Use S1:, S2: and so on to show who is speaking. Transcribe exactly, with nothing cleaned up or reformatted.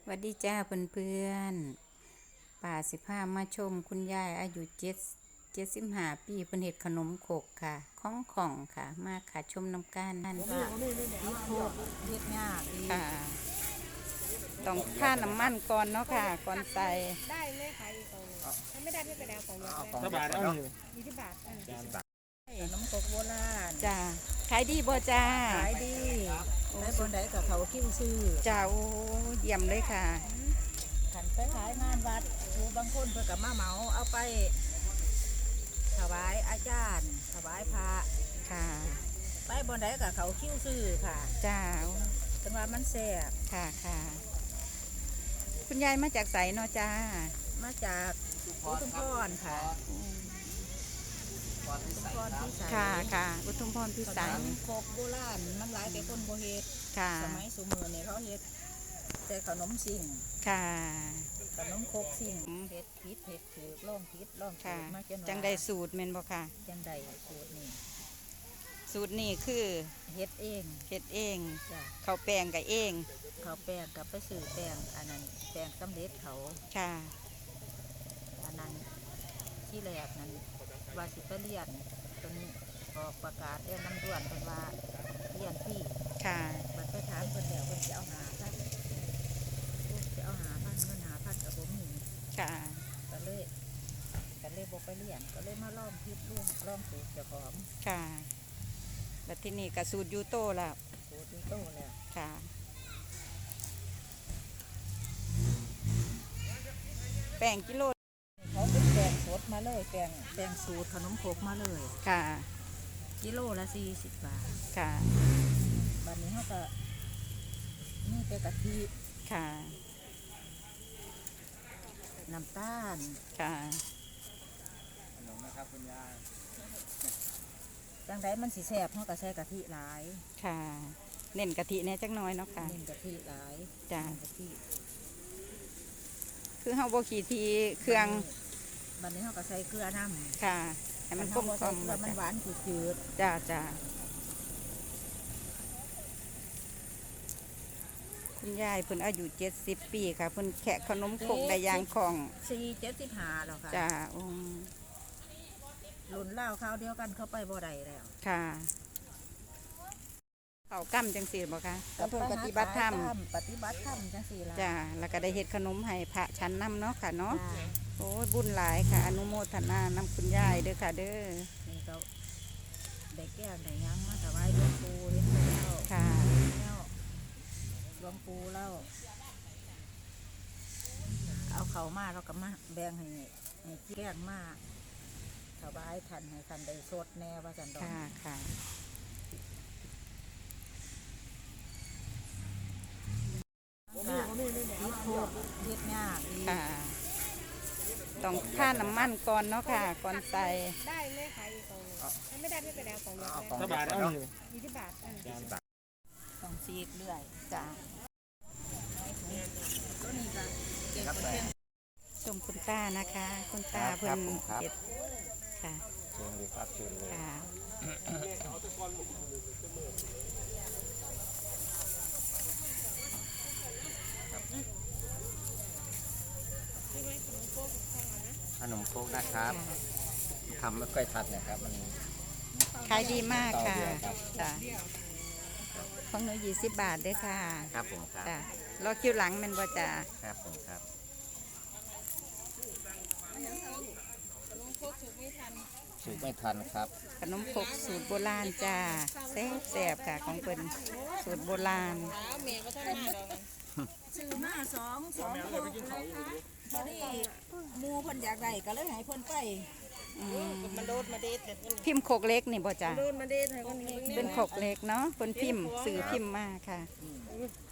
S1: สวัสดีจ้าเพื่อนๆป่าสิพามาชมคุณยายอายุเจ็ดเจ็ดสิบห้าปีเพิ่นเฮ็ดขนมขกค่ะข้องของค่ะมาค่ะชมน้ำกันนั่นค่ะ
S2: พริกโคกเฮ็ดยากดี
S1: ค่ะต้องท่าน้ำมันก่อนเนาะค่ะก่อนใส่
S3: ได้เลยค่ะอีกกล่องถ้าไม่ได้ไม่เป็นไรกล่องเดียว
S4: สบายแล้วนี่
S3: ยี่สิบบาทอ่ะ
S2: ขนมครกโบราณ
S1: จ้าขายดีบ่จ้า
S2: ขายดีได้บนใดกับเขาคิ้วซื้อ
S1: จ้าโอ้เยี่ยมเลยค่ะ
S2: ขันไปขายงานวัดครูบางคนเพื่อกับมาเหมาเอาไปถวายอาจารย์ถวายพระ
S1: ค่ะ
S2: ไปบนใดกับเขาคิ้วซื้อค่ะ
S1: จ้า
S2: จังหวะมันแซ่บ
S1: ค่ะค่ะคุณยายมาจากไสเนาะจ้า
S2: มาจากอุทุมพรค่ะ
S1: ค่ะค่ะอุทุมพรพิสัย
S2: ขนมครกโบราณมันหลายแต่คนโบเฮ็ดสมัยสมัยเนี่ยเขาเฮ็ดแต่ขนมสิ่ง
S1: ค่ะ
S2: ขนมครกสิ่งเฮ็ดพิษเฮ็ดถือล่องพิษล่องถือมาจน
S1: จังได้สูตรเมนบ่ค่ะ
S2: จังได้สูตรนี่
S1: สูตรนี่คือ
S2: เฮ็ดเอง
S1: เฮ็ดเองเขาแป้งกับเอง
S2: เขาแป้งกับไปซื้อแป้งอันนั้นแป้งสำเร็จเขา
S1: ค่ะ
S2: อันนั้นที่แรกนั้นว่าสิไปเรียนจนออกประกาศเรียนน้ำด่วนเป็นว่าเรียนพี่
S1: ค่ะ
S2: บัดไปถามคนเดียวคนจะเอาหาพันจะเอาหาพันเงินหาพันกับผมมี
S1: ค่ะ
S2: ก็เลยก็เลยบอกไปเรียนก็เลยมาล่อมพิษล่วงล่อมสูตรเจ้าของ
S1: ค่ะแล้วที่นี่กับสูตรยูโต้แล้ว
S2: สูตรยูโต้แล้ว
S1: ค่ะแป้งกิโล
S2: เขาเป็นแป้งสดมาเลยแป้งแป้งสูตรขนมโคกมาเลย
S1: ค่ะ
S2: กิโลละสี่สิบบาท
S1: ค่ะ
S2: บัดนี้เขาก็นี่เป็นกะทิ
S1: ค่ะ
S2: น้ำตาล
S1: ค่ะ
S4: ขนมนะครับคุณยาย
S2: จังไดมันสีแซ่บเขาก็ใส่กะทิหลาย
S1: ค่ะเน้นกะทิเนี่ยจักน้อยเนาะค่ะ
S2: เน้นกะทิหลาย
S1: จ้
S2: ากะทิ
S1: คือเฮาบ่ขี้ทีเครื่อง
S2: บัดนี้เขาก็ใส่เกลือน้
S1: ำค่ะให้มันกลมกล่อม
S2: มันหวานจืด
S1: จ้าจ้าคุณยายเพิ่นอายุเจ็ดสิบปีค่ะเพิ่นแขะขนมครกได้อย่างของ
S2: สี่เจ็ดสิบห้าแล้วค่ะ
S1: จ้าอง
S2: รุ่นเล่าข้าวเดียวกันเข้าไปบ่ได้แล้ว
S1: ค่ะเขากั้มจังสีบ่คะเพิ่นปฏิบัติธรรม
S2: ปฏิบัติธรรมจังสีละ
S1: จ้าแล้วก็ได้เฮ็ดขนมให้พระชั้นนำเนาะค่ะเนาะโอ้บุญหลายค่ะอนุโมทนานำคุณยายเด้อค่ะเด้อ
S2: นี่ก็ได้แก้วได้ยังมาถวายหลวงปู่เลี้ยงแล้ว
S1: ค่ะ
S2: แล้วหลวงปู่แล้วเอาเขามาเราก็มาแบ่งให้ให้แก้งมาถวายท่านให้ท่านได้สดแน่ว่าจันดอก
S1: ค่ะค่ะ
S2: พริกโคกเฮ็ดยากดี
S1: ค่ะต้องท่าน้ำมันก่อนเนาะค่ะก่อนใส่
S3: ได้เลยค่ะอีกกล่องถ้าไม่ได้ไม่เป็นไรกล่องเดียว
S4: สบายแล้วนี่
S3: ยี่สิบบาทอ่ะ
S2: ต้องซีกเรื่อย
S1: จ้า
S2: ตัวนี้ก็เก็บเพียง
S1: ชมคุณตานะคะคุณตาเพิ่นเก็บค่ะ
S4: เชิญเลยครับเชิญเลย
S1: ค่ะ
S4: ขนมโคกนะครับทำไม่ค่อยทันนะครับมัน
S1: ขายดีมากค่ะจ้ะของหนูยี่สิบบาทด้วยค่ะ
S4: ครับผมครับ
S1: จ้ะรอคิวหลังมันบ่จ้ะ
S4: ครับผมครับสูตรไม่ทันครับ
S1: ขนมครกสูตรโบราณจ้าแซ่บแซ่บค่ะของเพิ่นสูตรโบราณ
S2: ซื้อมาสองสองโคกตอนนี้มูเพิ่นอยากได้ก็เลยให้เพิ่นไปมันโดดมาเด็ด
S1: พิมพ์โคกเล็กนี่บ่จ้ะ
S3: โดดมาเด็ดให้คนนี้
S1: เป็นโคกเล็กเนาะเพิ่นพิมพ์สื่อพิมพ์มาค่ะ